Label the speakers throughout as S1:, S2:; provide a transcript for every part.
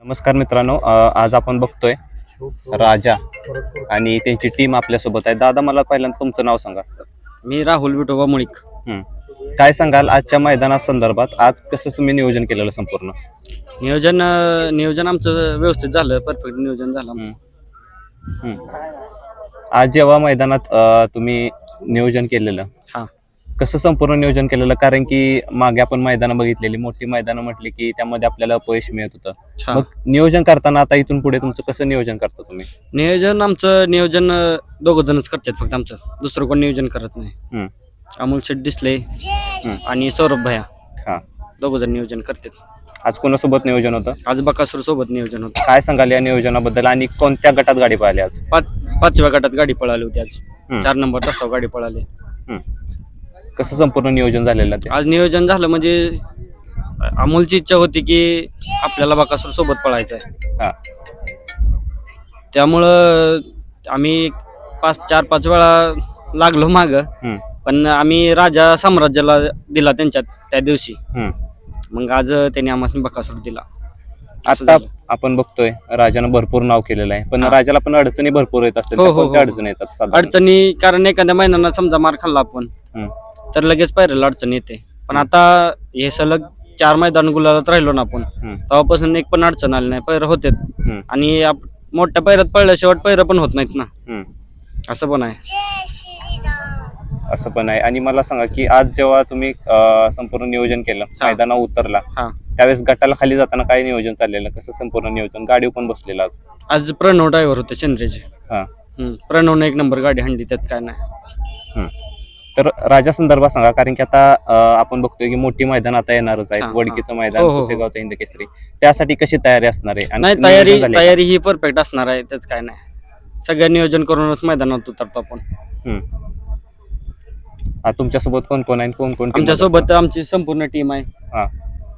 S1: नमस्कार मित्रांनो, आज आपण बघतोय राजा आणि त्यांची टीम आपल्यासोबत आहे. दादा, मला पहिल्यांदा तुमचं नाव सांगा.
S2: मी राहुल विठोबा मुळीक.
S1: हं. काय सांगाल आजच्या मैदानासंदर्भात? आज कसं तुम्ही नियोजन केलेलं संपूर्ण?
S2: नियोजन आमचं व्यवस्थित झालं, परफेक्ट नियोजन झालं आमचं.
S1: हं. आज जेव्हा मैदानात तुम्ही नियोजन केलेलं,
S2: हा
S1: कसं संपूर्ण नियोजन केलेलं? कारण की मागे आपण मैदानं बघितलेली, मोठी मैदानं म्हटली की त्यामध्ये आपल्याला अपयश मिळत होतं.
S2: हा
S1: मग नियोजन करताना आता इथून पुढे तुमचं कसं नियोजन करता तुम्ही?
S2: नियोजन दोघं जणच करतात फक्त आमचं, दुसरं कोण नियोजन करत नाही.
S1: हं.
S2: अमोल शेठ डिसले आणि सौरभ भैया
S1: हां.
S2: दोघं जण नियोजन करतात.
S1: आज कोणासोबत नियोजन होतं?
S2: आज बकासूर सोबत नियोजन होतं.
S1: काय सांगाल या नियोजनाबद्दल आणि कोणत्या गटात गाडी पाहिली आज?
S2: पाचव्या गटात गाडी पळाली होती आज.
S1: हं.
S2: 4 नंबर तासावर गाडी पळाली.
S1: हं. कसं संपूर्ण नियोजन झालेलं ते?
S2: आज नियोजन झालं म्हणजे अमोलची इच्छा होती की आपल्याला बकासूर सोबत पळायचं आहे.
S1: हां.
S2: त्यामुळं आम्ही 4-5 वेळा लागलो मागं,
S1: हं.
S2: पण आम्ही राजा साम्राज्याला दिला त्यांच्यात त्या दिवशी.
S1: हं.
S2: मग आज त्यांनी आम्हाला बकासूर दिला. असं
S1: आता
S2: झालं.
S1: आपण बघतोय राजानं भरपूर नाव केलेलं आहे, पण
S2: हां.
S1: राजाला पण अडचणी भरपूर येत असतील.
S2: हो,
S1: त्या
S2: हो,
S1: कोणत्या
S2: हो.
S1: अडचणी येतात साधारण?
S2: अडचणी कारण एखाद्या महिन्याला समजा मार खाल्ला आपण
S1: हं.
S2: तर लगेच पायऱ्याला अडचण येते. पण आता हे सलग 4 मैदान गुलालात राहिलो ना आपण,
S1: हं.
S2: तेव्हापासून एक पण अडचण आली नाही. पैर होते
S1: हं.
S2: आणि मोठ्या पैरात पळल्याशिवाय पैर पण होत नाहीत ना,
S1: हं.
S2: असं पण आहे.
S1: असं पण आहे. आणि मला सांगा की आज जेव्हा तुम्ही संपूर्ण नियोजन केलं,
S2: हां.
S1: मैदानावर उतरला,
S2: हा
S1: त्यावेळेस गटाला खाली जाताना काय नियोजन चाललेलं? कसं संपूर्ण नियोजन? गाडी पण बसलेलं आज?
S2: आज प्रणव ड्रायव्हर होते शेंद्रेचे.
S1: हां.
S2: प्रणवने 1 नंबर गाडी हाणली, त्यात काय नाही.
S1: हं. तर राजा संदर्भात सांगा, कारण की आता आपण बघतोय की मोठी मैदान आता येणारच आहेत.
S2: हां,
S1: वडकीचं
S2: हां.
S1: मैदान,
S2: हो, हो, हो.
S1: पुसेगावचं हिंद केसरी, त्यासाठी कशी तयारी असणार आहे? आणि
S2: नाही,
S1: नियोजन झालंय का?
S2: तयारी ही परफेक्ट असणार आहे, त्याच काय नाही. सगळं नियोजन करूनच मैदानात उतरतो आपण.
S1: हं. तुमच्यासोबत कोण कोण आहे? कोण कोण team
S2: आमच्या
S1: मध्ये
S2: सोबत आमची संपूर्ण टीम आहे.
S1: असतं? हां.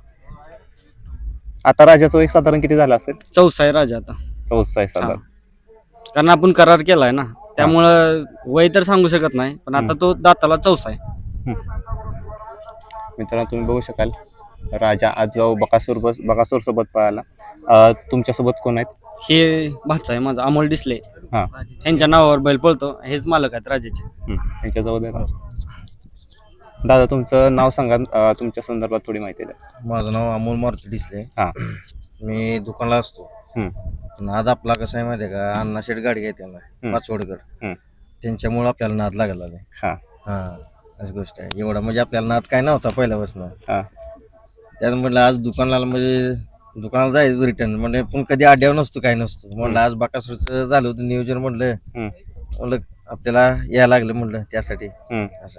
S1: आता राजाचं वय साधारण किती झालं असेल?
S2: 4 आहे राजा आता.
S1: 14 आहे
S2: हा.
S1: साधारण.
S2: कारण आपण करार केलाय ना, त्यामुळं वय तर सांगू शकत नाही, पण आता तो दाताला 4 आहे.
S1: हं. मित्रांनो, तुम्ही बघू शकाल राजा आज जो बकासूर सोबत पळाला. तुमच्यासोबत कोण आहेत?
S2: हे भाचा आहे माझा, अमोल डिसले.
S1: हां.
S2: त्यांच्या नावावर बैल पळतो, हेच मालक आहेत राजाचे.
S1: त्यांच्याजवळ द्या ना. दादा, तुमचं नाव सांगा, तुमच्या संदर्भात थोडी माहिती द्या.
S3: माझं नाव अमोल मारुती डिसले.
S1: हां.
S3: मी दुकानला असतो.
S1: हं.
S3: नाद आपला कसा आहे माहिती आहे का, अण्णा शेठ गाडी घेते ना,
S1: हं.
S3: पाचवडकर,
S1: हं.
S3: त्यांच्यामुळे आपल्याला नाद लागला नाही.
S1: हां.
S3: हां, अशी गोष्ट आहे. एवढा म्हणजे आपल्याला नाद काय नव्हता पहिल्यापासून.
S1: हां.
S3: त्यात म्हटलं आज दुकानाला म्हणजे दुकानाला जायचं रिटर्न म्हणजे पण कधी आड्यावर नसतो काय नसतो. म्हटलं आज बाकासूरचं झालं होतं नियोजन, म्हटलं
S1: हं.
S3: आपल्याला यायला लागलं म्हटलं त्यासाठी
S1: हं.
S3: असं.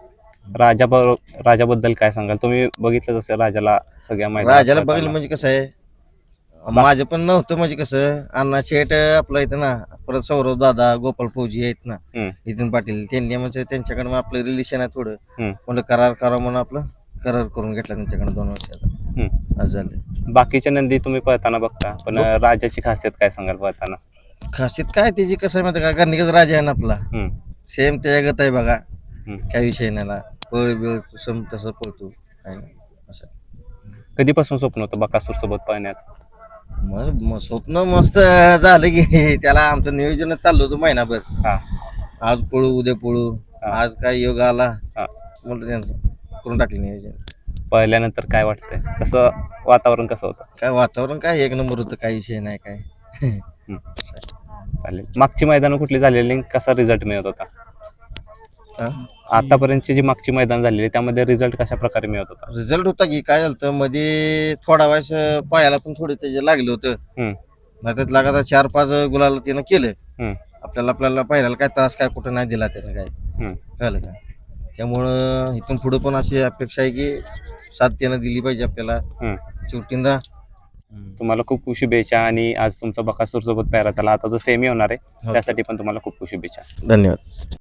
S1: राजाबद्दल काय सांगाल? तुम्ही बघितलं जसं राजाला सगळ्या मैदानात
S3: राजाला
S1: पळताना.
S3: बघितलं म्हणजे कसं आहे, माझं पण नव्हतं म्हणजे कसं, अण्णा शेठ आपलं इथं ना, परत सौरभ दादा, गोपाळ फौजी आहेत ना,
S1: हं.
S3: नितीन पाटील, त्यांनी म्हणजे त्यांच्याकडे आपलं रिलेशन आहे थोडं,
S1: हं.
S3: म्हणलं करार करा म्हणून आपलं करार करून घेतला त्यांच्याकडे 2 वर्षाचा.
S1: हं.
S3: असं झालं.
S1: बाकीच्या नंदी तुम्ही पळताना बघता, पण राजाची खासियत काय सांगाल पळताना?
S3: खासियत काय त्याची, कसं आहे माहिती का, गर्णिकच राजा आहे ना आपला,
S1: हं.
S3: सेम त्याच्यागत आहे बघा.
S1: हं.
S3: काय विषय नाही, पळ बिळ सम तसं पळतो काय नाही असं.
S1: कधीपासून स्वप्न होतं बकासूर सोबत पळण्याचं?
S3: मग स्वप्न मस्त झालं की त्याला आमचं नियोजनच चाललं होतं महिनाभर.
S1: हां.
S3: आज पळू उद्या पळू, आज काय योग आला
S1: हां.
S3: म्हणलं त्यांचं करून टाकलं नियोजन.
S1: पळल्यानंतर काय वाटतंय? कसं वातावरण कसं होतं?
S3: काय वातावरण काय 1 नंबर होतं, काय विषय नाही काय.
S1: हं. चालेल. मागची मैदानं कुठली झालेली, कसा रिझल्ट मिळत होता? आतापर्यंतची जी मागची मैदान झालेली त्यामध्ये रिझल्ट कशा प्रकारे मिळत होता?
S3: रिझल्ट होता की काय झालं मध्ये थोडा वेळेस पायाला पण थोडं त्याचे लागलं होतं.
S1: हं.
S3: नाही तर लगातार 4-5 गुलाला त्यानं केलं.
S1: हं.
S3: आपल्याला पायऱ्याला काय त्रास काय कुठं नाही दिला त्यानं काय,
S1: हं.
S3: कळलं का. त्यामुळं इथून पुढं पण अशी अपेक्षा आहे की साथ त्यानं दिली पाहिजे आपल्याला
S1: हं.
S3: शेवटींदा.
S1: तुम्हाला खूप खूप शुभेच्छा. आणि आज तुमचा बकासूर सोबत पॅरा झाला, आता जो सेमी होणार आहे
S3: हो.
S1: त्यासाठी पण तुम्हाला खूप खूप शुभेच्छा.
S3: धन्यवाद.